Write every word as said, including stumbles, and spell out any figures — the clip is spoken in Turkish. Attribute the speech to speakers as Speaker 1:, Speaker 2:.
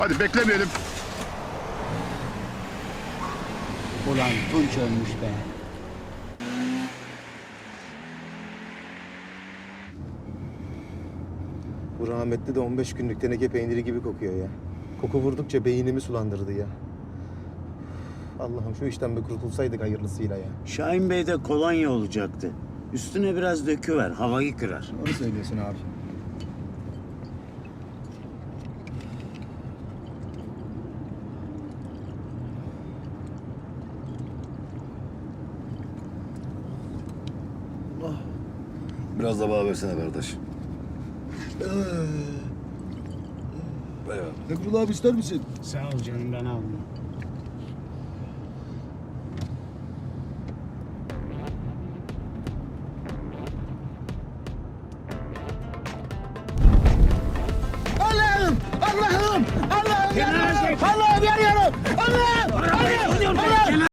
Speaker 1: Hadi beklemeyelim.
Speaker 2: Ulan Tunç ölmüş be.
Speaker 3: Bu rahmetli de on beş günlük teneke peyniri gibi kokuyor ya. Koku vurdukça beynimi sulandırdı ya. Allah'ım şu işten bir kurtulsaydık hayırlısıyla ya.
Speaker 4: Şahin Bey'de kolonya olacaktı. Üstüne biraz döküver, havayı kırar.
Speaker 3: Doğru söylüyorsun abi.
Speaker 5: Biraz da bana versene kardeş. Eyvallah.
Speaker 6: Emrullah abi ister misin?
Speaker 2: Sağ ol canım, ben aldım.